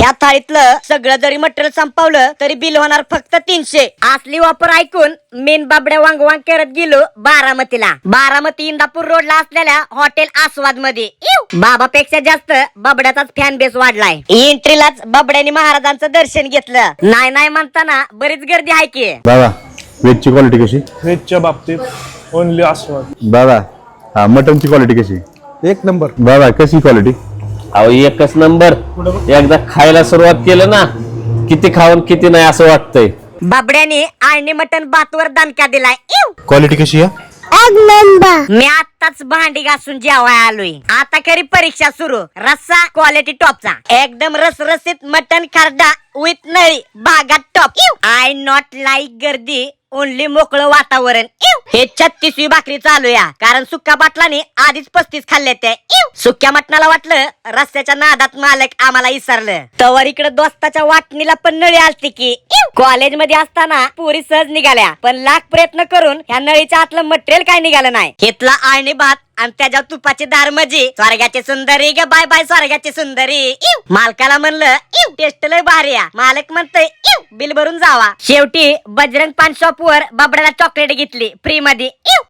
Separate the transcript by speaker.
Speaker 1: ह्या थाळीतलं सगळं जरी मटेरियल संपवलं तरी बिल होणार फक्त 300. असली वापर ऐकून मेन बाबड्या वांगवांग करत गेलो बारामतीला. बारामती इंदापूर रोडला असलेल्या हॉटेल आस्वाद मध्ये बाबापेक्षा जास्त बाबड्याचाच फॅन बेस वाढलाय. एंट्रीलाच बाबड्यानी महाराजांचं दर्शन घेतलं. नाही नाही म्हणताना बरीच गर्दी आहे की.
Speaker 2: बाबा व्हेजची क्वालिटी कशी?
Speaker 3: व्हेजच्या बाबतीत ओनली आस्वाद.
Speaker 2: बाबा हा मटनची क्वालिटी कशी?
Speaker 4: एक नंबर.
Speaker 2: बाबा कशी क्वालिटी?
Speaker 5: अहो एकच नंबर. एकदा खायला सुरुवात केलं ना किती खाऊन किती नाही असं वाटतंय.
Speaker 1: बाबड्याने आळणी मटन भातवर दणका दिलाय.
Speaker 2: क्वालिटी कशी आहे?
Speaker 1: मी आताच भांडी घासून जेवाय आलोय. आता खरी परीक्षा सुरू. रस्सा क्वालिटी टॉपचा. एकदम रसरसीत मटन खरडा विथ नळी भागात टॉप. आय नॉट लाईक गर्दी, ओनली मोकळं वातावरण. हे 36वी भाकरी चालू या, कारण सुक्या बाटलाने आधीच 35 खाल्ले ते. सुक्या मटणाला वाटलं रस्त्याच्या नादात मालक आम्हाला विसरलं. तवर इकडे दोस्ताच्या वाटणीला पण नळी आलती की. कॉलेज मध्ये असताना पुरी सहज निघाल्या, पण लाख प्रयत्न करून ह्या नळीच्या आतलं मटेरियल काय निघालं नाही. घेतला आळणी भात आणि त्याच्या तुपाची दार म्हणजे स्वर्गाची सुंदरी ग बाय बाय स्वर्गाची सुंदरी. मालकाला म्हणलं टेस्ट लय भारी आहे. मालक म्हणतोय बिल भरून जावा. शेवटी बजरंग पान शॉप वर बाबड्याला चॉकलेट घेतली फ्री मध्ये.